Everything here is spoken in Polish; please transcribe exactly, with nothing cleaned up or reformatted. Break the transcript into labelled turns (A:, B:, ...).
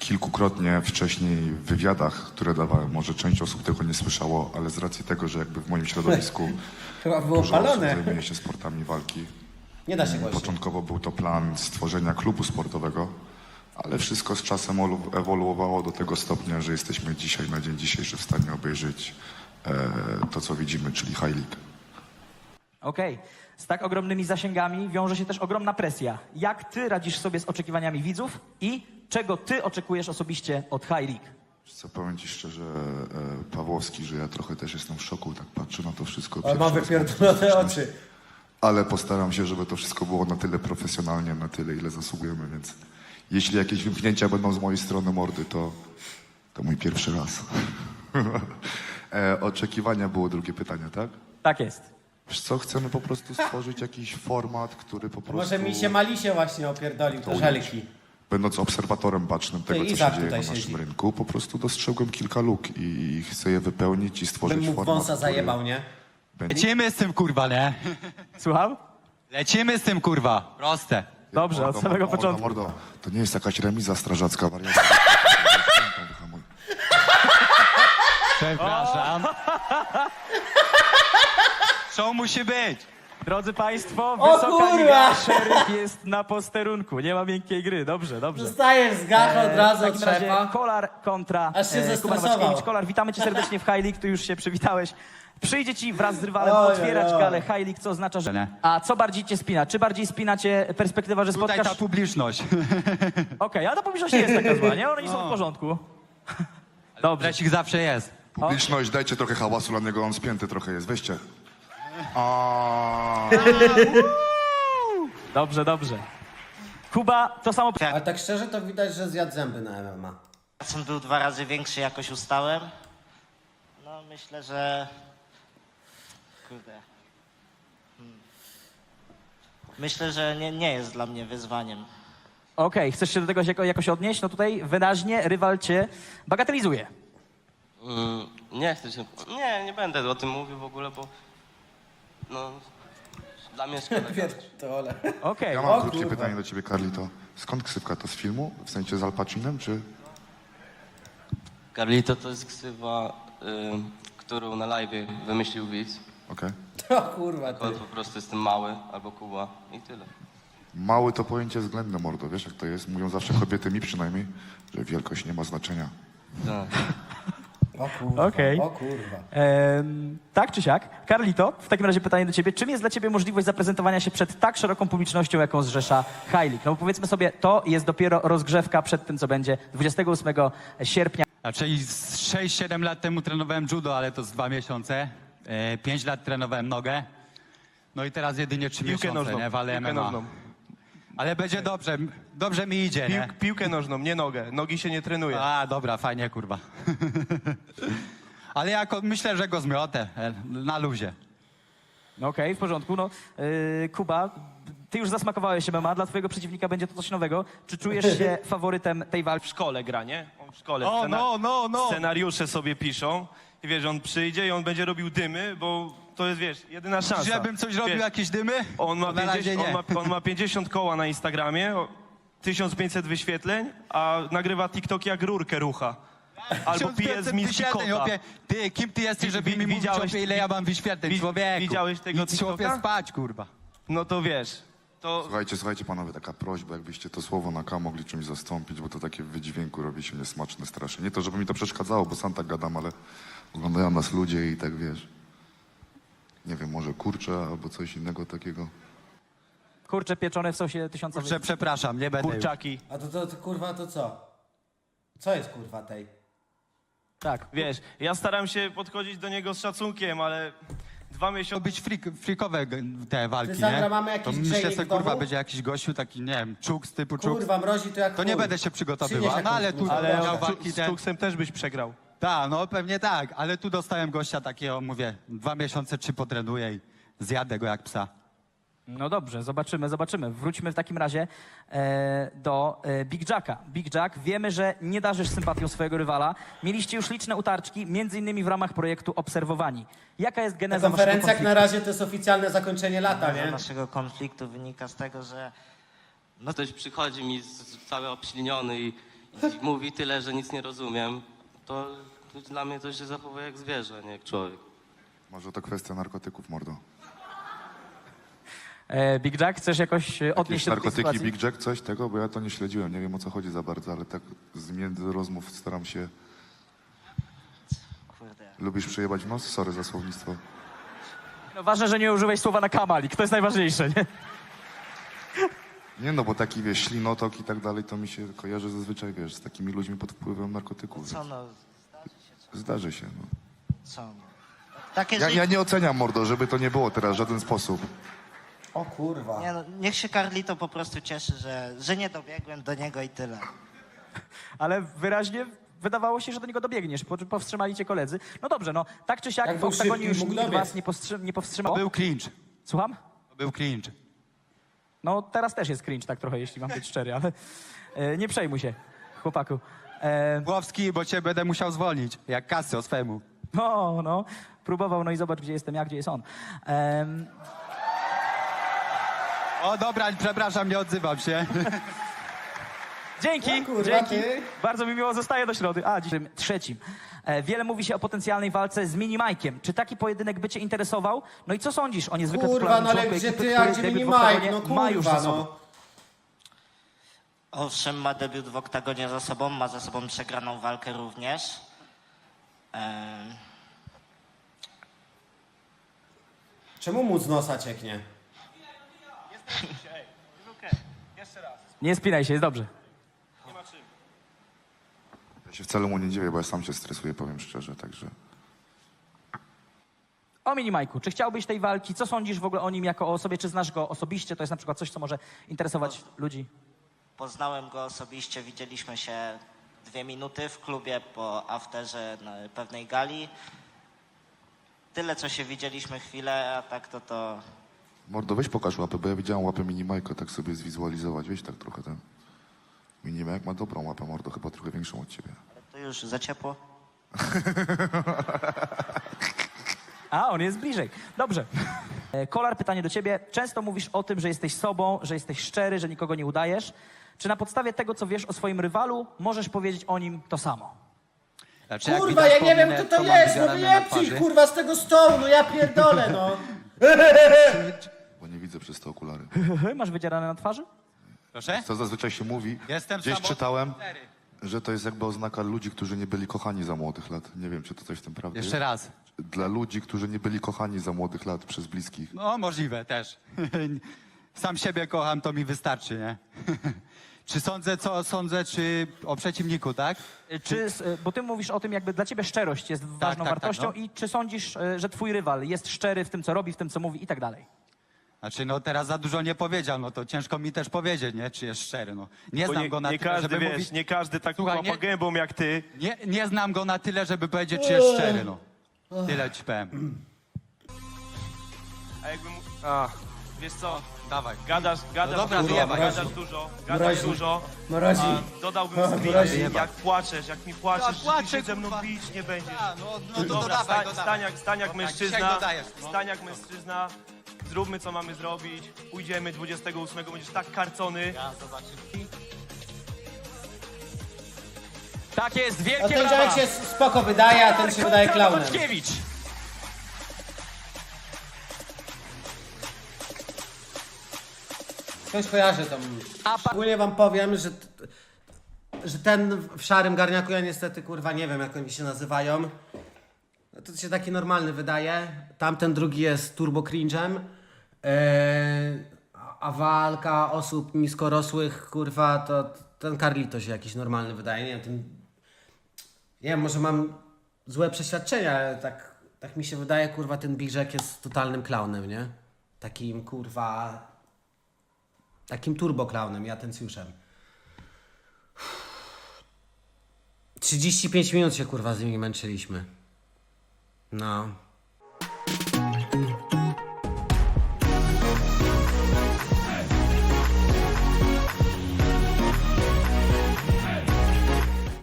A: kilkukrotnie wcześniej w wywiadach, które dawałem, może część osób tego nie słyszało, ale z racji tego, że jakby w moim środowisku
B: Chyba było
A: dużo osób
B: palone.
A: zajmuje się sportami walki.
B: Nie da się głośniej.
A: Początkowo był to plan stworzenia klubu sportowego, ale wszystko z czasem olu- ewoluowało do tego stopnia, że jesteśmy dzisiaj, na dzień dzisiejszy w stanie obejrzeć e, to, co widzimy, czyli High League.
C: Okej. Z tak ogromnymi zasięgami wiąże się też ogromna presja. Jak ty radzisz sobie z oczekiwaniami widzów i czego ty oczekujesz osobiście od High League?
A: Wiesz co, powiem ci szczerze, e, Pawłowski, że ja trochę też jestem w szoku, tak patrzę na to wszystko.
B: On ma
A: pierwszy raz
B: wypierdolone
A: mam
B: oczy.
A: Ale postaram się, żeby to wszystko było na tyle profesjonalnie, na tyle, ile zasługujemy, więc jeśli jakieś wymknięcia będą z mojej strony mordy, to, to mój pierwszy raz. e, oczekiwania było drugie pytanie, tak?
C: Tak jest.
A: Wiesz co, chcemy po prostu stworzyć jakiś format, który po prostu...
B: Może mi się Malisie właśnie opierdolił, to żelki.
A: Będąc obserwatorem bacznym tego,
B: Ty,
A: co
B: Izak
A: się dzieje na
B: tutaj
A: naszym
B: siedzi.
A: rynku, po prostu dostrzegłem kilka luk i chcę je wypełnić i stworzyć
B: Bym mu
A: format,
B: wąsa
A: który
B: zajebał, nie?
A: będzie...
D: Lecimy z tym, kurwa, nie?
C: Słucham?
D: Lecimy z tym, kurwa. Proste.
C: Dobrze, od samego
A: mordo,
C: początku.
A: Mordo, to nie jest jakaś remiza strażacka, wariata. Wyhamuj.
D: Przepraszam. Show musi być.
C: Drodzy Państwo,
B: O
C: wysoka
B: kurwa!
C: liga, szeryf jest na posterunku. Nie ma miękkiej gry. Dobrze, dobrze.
B: Dostajesz z gacha od razu
C: W
B: od
C: takim razie
B: szefa.
C: Kolar kontra
B: Aż się
C: e, Kuba
B: zestresował.
C: Nowaczkiewicz. Kolar, witamy cię serdecznie w High League, tu już się przywitałeś. Przyjdzie ci wraz z rywalem
B: Oj, oj,
C: otwierać
B: oj.
C: galę High League, co oznacza, że...
D: Nie.
C: A co bardziej cię spina? Czy bardziej spina cię perspektywa, że
D: Tutaj
C: spotkasz...
D: ta publiczność.
C: Okej, ale ta publiczność nie jest taka zła, nie? Oni są w porządku. Dobrze.
D: Dresik zawsze jest.
A: Publiczność, dajcie trochę hałasu dla niego, on spięty trochę jest, weźcie. A.
C: Dobrze, dobrze. Kuba, to samo...
B: Ale tak szczerze to widać, że zjadł zęby na M M A.
E: Szacun był dwa razy większy, jakoś ustałem. No myślę, że... Kurde. Hmm. Myślę, że nie, nie jest dla mnie wyzwaniem.
C: Okej, chcesz się do tego jako, jakoś odnieść? No tutaj wyraźnie rywal cię bagatelizuje.
F: Mm, nie chcę się. Nie, nie będę o tym mówił w ogóle, bo. No. Dla mnie szkoda.
B: Pierdolę.
C: Okej.
A: Ja
B: O
A: mam krótkie
B: kurwa.
A: pytanie do ciebie, Carlito. Skąd ksywka to z filmu? W sensie z Al Pacinem, czy...
F: Carlito to jest ksywa, y, którą na live wymyślił widz.
A: Okej.
B: O kurwa ty.
F: On po prostu jestem mały albo Kuba i tyle.
A: Mały to pojęcie względne, mordo, wiesz jak to jest? Mówią zawsze kobiety, mi przynajmniej, że wielkość nie ma znaczenia.
F: Tak.
B: O kurwa.
C: Okej.
B: O kurwa.
C: Em, tak czy siak. Carlito, w takim razie pytanie do ciebie. Czym jest dla ciebie możliwość zaprezentowania się przed tak szeroką publicznością, jaką zrzesza High League? No bo powiedzmy sobie, to jest dopiero rozgrzewka przed tym, co będzie dwudziestego ósmego sierpnia.
D: Czyli z sześć siedem lat temu trenowałem judo, ale to z dwa miesiące. E, pięć lat trenowałem nogę. No i teraz jedynie trzy
G: Piłkę
D: miesiące,
G: nożną,
D: nie? Walę
G: piłkę
D: M M A.
G: nożną.
D: Ale będzie dobrze, dobrze mi idzie,
G: Pił,
D: nie?
G: piłkę nożną, nie nogę. Nogi się nie trenuje.
D: A, dobra, fajnie, kurwa. Ale jako, myślę, że go zmiotę, e, na luzie.
C: No Okej, w porządku. No, yy, Kuba, ty już zasmakowałeś M M A, dla twojego przeciwnika będzie to coś nowego. Czy czujesz się faworytem tej walki?
G: W szkole gra, nie? On w szkole.
D: O,
G: scena-
D: no, no, no.
G: Scenariusze sobie piszą. I wiesz, on przyjdzie i on będzie robił dymy, bo to jest, wiesz, jedyna szansa.
D: Żebym coś robił,
G: Wiesz,
D: jakieś dymy?
G: on ma,
D: To na razie
G: pięćdziesiąt,
D: nie.
G: on, ma, on ma pięćdziesiąt koła na Instagramie, o, tysiąc pięćset wyświetleń, a nagrywa TikTok jak rurkę rucha. Albo pije z miski
D: wyświetleń,
G: kota.
D: chłopie. Ty, kim ty jesteś, żeby
G: Wi-
D: mi mówić,
G: widziałeś-
D: chłopie, ile ja mam wyświetleń,
G: wi-
D: człowieku?
G: widziałeś tego
D: Idź, chłopie,
G: TikToka?
D: spać, kurwa.
G: No to wiesz, to...
A: Słuchajcie, słuchajcie panowie, taka prośba, jakbyście to słowo na K mogli czymś zastąpić, bo to takie w wydźwięku robi się niesmaczne strasznie. Nie to, żeby mi to przeszkadzało, bo sam tak gadam, ale oglądają nas ludzie i tak wiesz. Nie wiem, może kurczę albo coś innego takiego.
C: Kurcze pieczone w sosie tysiąca...
D: Kurczę, przepraszam, nie będę już.
G: Kurczaki.
B: A to, to, to kurwa to co? Co jest kurwa tej?
C: Tak.
G: Wiesz, ja staram się podchodzić do niego z szacunkiem, ale dwa
D: To
G: miesiące...
D: być frik, frikowe g- te walki,
B: Ty, Sandra,
D: nie?
B: mamy jakiś
D: to myślę,
B: grzejnik
D: że
B: w
D: kurwa
B: domu?
D: będzie jakiś gościu taki, nie wiem, czuk z typu czuk.
B: Kurwa mrozi to jak
D: To nie
B: chuj.
D: będę się
B: Przynieś
D: przygotowywał,
B: jakąś
D: no ale tu
B: bluzę.
G: Ale
D: miał
G: z,
D: walki
G: z
D: ten...
G: Tuksem też byś przegrał.
D: Tak, no pewnie tak, ale tu dostałem gościa takiego, mówię, dwa miesiące, trzy potrenuję i zjadę go jak psa.
C: No dobrze, zobaczymy, zobaczymy. Wróćmy w takim razie e, do e, Big Jacka. Big Jack, wiemy, że nie darzysz sympatią swojego rywala. Mieliście już liczne utarczki, między innymi w ramach projektu Obserwowani. Jaka jest
B: Na
C: geneza waszego
B: konferencjach
C: konfliktu?
B: na razie to jest oficjalne zakończenie lata,
E: Nazwa
B: nie?
E: naszego konfliktu wynika z tego, że
F: No ktoś przychodzi mi z, z cały obśliniony i, I mówi tyle, że nic nie rozumiem, to, to dla mnie to się zachowuje jak zwierzę, nie jak człowiek.
A: Może to kwestia narkotyków, mordo.
C: E, Big Jack, chcesz jakoś e, odnieść
A: Jakieś
C: się do tej
A: narkotyki,
C: sytuacji?
A: Big Jack, coś tego? Bo ja to nie śledziłem, nie wiem o co chodzi za bardzo, ale tak z między rozmów staram się...
E: Kurde.
A: Lubisz przejebać w nos? Sorry za słownictwo.
C: No, ważne, że nie użyłeś słowa na kamalik, to jest najważniejsze, nie?
A: Nie no, bo taki, wiesz, ślinotok i tak dalej, to mi się kojarzy zazwyczaj, wiesz, z takimi ludźmi pod wpływem narkotyków.
E: Co
A: więc
E: no,
A: Zdarzy się, no.
E: co no. Takie
A: Ja,
E: życie.
A: ja nie oceniam, mordo, żeby to nie było teraz w żaden sposób.
B: O kurwa.
E: Nie, no, niech się Carlito po prostu cieszy, że, że nie dobiegłem do niego i tyle.
C: Ale wyraźnie wydawało się, że do niego dobiegniesz, po czym powstrzymali cię koledzy. No dobrze, no tak czy siak
B: Jak
C: w
B: był
C: oktagonie
B: szybki,
C: już
B: mógł
C: nikt
B: dobiec.
C: was nie, powstrzy- nie powstrzymał.
D: To był cringe.
C: Słucham?
D: To był cringe.
C: No teraz też jest cringe tak trochę, jeśli mam być szczery, ale e, nie przejmuj się, chłopaku. E,
D: Głowski, bo cię będę musiał zwolnić, jak kasy o swemu.
C: no, no, próbował, no i zobacz, gdzie jestem ja, gdzie jest on. Em,
D: O dobra, przepraszam, nie odzywam się.
C: Dzięki,
B: No kurwa,
C: dzięki.
B: ty.
C: Bardzo mi miło, zostaję do środy. A, dzisiaj trzecim. E, wiele mówi się o potencjalnej walce z Mini Mike'iem. Czy taki pojedynek by cię interesował? No i co sądzisz o niezwykle
B: Kurwa,
C: popularnym
B: no ale
C: członku
B: gdzie
C: ekipy,
B: ty,
C: który
B: a gdzie
C: debiut
B: mini
C: w oktagonie
B: Mike? No
C: ma już za
B: kurwa,
C: sobą?
B: no.
E: Owszem, ma debiut w oktagonie za sobą, ma za sobą przegraną walkę również. Em,
B: Czemu mu z nosa cieknie?
C: Nie spinaj się, jest dobrze.
A: Ja się wcale mu nie dziwię, bo ja sam się stresuję, powiem szczerze, także...
C: O Mini Mike'u, czy chciałbyś tej walki? Co sądzisz w ogóle o nim jako o osobie? Czy znasz go osobiście? To jest na przykład coś, co może interesować ludzi.
E: Poznałem go osobiście, widzieliśmy się dwie minuty w klubie po afterze na pewnej gali. Tyle, co się widzieliśmy chwilę, a tak to to...
A: Mordo, weź pokaż łapę, bo ja widziałem łapę Minimajka, tak sobie zwizualizować, weź tak trochę ten... Minimajk ma dobrą łapę, mordo, chyba trochę większą od ciebie.
E: To już za ciepło.
C: A, on jest bliżej. Dobrze. E, Kolar, pytanie do ciebie. Często mówisz o tym, że jesteś sobą, że jesteś szczery, że nikogo nie udajesz. Czy na podstawie tego, co wiesz o swoim rywalu, możesz powiedzieć o nim to samo?
D: Znaczy, jak
B: Kurwa,
D: widać
B: ja
D: po
B: nie wiem
D: mnie,
B: kto to
D: mam
B: jest, no
D: wygarane na
B: wyjebcie ich,
D: twarzy.
B: kurwa z tego stołu, no ja pierdolę, no.
A: Bo nie widzę przez te okulary.
C: Masz wydzierane na twarzy?
D: Proszę?
A: Co zazwyczaj się mówi,
D: Jestem
A: gdzieś
D: samotny.
A: czytałem, że to jest jakby oznaka ludzi, którzy nie byli kochani za młodych lat. Nie wiem, czy to coś w tym prawdy
D: Jeszcze
A: jest.
D: raz.
A: Dla ludzi, którzy nie byli kochani za młodych lat przez bliskich.
D: No, możliwe też. Sam siebie kocham, to mi wystarczy, nie? Czy sądzę, co sądzę, czy o przeciwniku, tak?
C: E, Czy, s- e, bo ty mówisz o tym, jakby dla ciebie szczerość jest ważną
D: tak, tak,
C: wartością
D: no.
C: i czy sądzisz, e, że twój rywal jest szczery w tym, co robi, w tym, co mówi i tak dalej?
D: Znaczy, no teraz za dużo nie powiedział, no to ciężko mi też powiedzieć, nie? Czy jest szczery, no. Nie
G: Bo
D: znam
G: nie,
D: go na
G: nie
D: tyle,
G: każdy,
D: żeby
G: wiesz,
D: mówić...
G: nie każdy tak
D: Słuchaj,
G: łapa
D: nie-
G: gębą jak ty.
D: Nie, nie znam go na tyle, żeby powiedzieć, czy jest szczery, no. Tyle ci powiem.
G: A jakby mu... A, wiesz co,
D: Dawaj.
G: gadasz, gadasz
D: No dobra,
G: dużo,
D: wyjebaj.
G: gadasz dużo, gadasz
B: Mrozi.
G: dużo.
B: Mrozi.
G: A dodałbym
B: A,
G: screen,
B: mrozi.
G: jak płaczesz, jak mi płaczesz,
D: Ja
G: że ty
D: płaczę,
G: się ze mną
D: kurwa.
G: bić nie będziesz.
D: A, no, no to
G: Dobra,
D: dodawaj,
G: stań,
D: dodawaj.
G: stań jak, stań jak
D: Dobra,
G: mężczyzna,
D: dzisiaj dodajesz, no.
G: stań jak mężczyzna, zróbmy co mamy zrobić, pójdziemy dwudziestego ósmego, będziesz tak karcony.
C: Tak jest,
B: A
C: wielkie
B: ten
C: brawa!
B: dziadek się spoko wydaje, a ten się wydaje klaunem.
C: Wojtkiewicz.
B: Ktoś kojarzy tą...
C: A pa-
B: Ogólnie wam powiem, że, t- że ten w szarym garniaku, ja niestety kurwa nie wiem jak oni się nazywają. No to się taki normalny wydaje. Tamten drugi jest turbo cringe'em. Eee, a- a walka osób niskorosłych, kurwa, to t- ten Carlito się jakiś normalny wydaje. Nie wiem, ten... Nie wiem, może mam złe przeświadczenia, ale tak, tak mi się wydaje, kurwa, ten Big Jack jest totalnym klaunem, nie? Takim, kurwa... Takim turboklaunem i atencjuszem. trzydzieści pięć minut się kurwa z nimi męczyliśmy. No.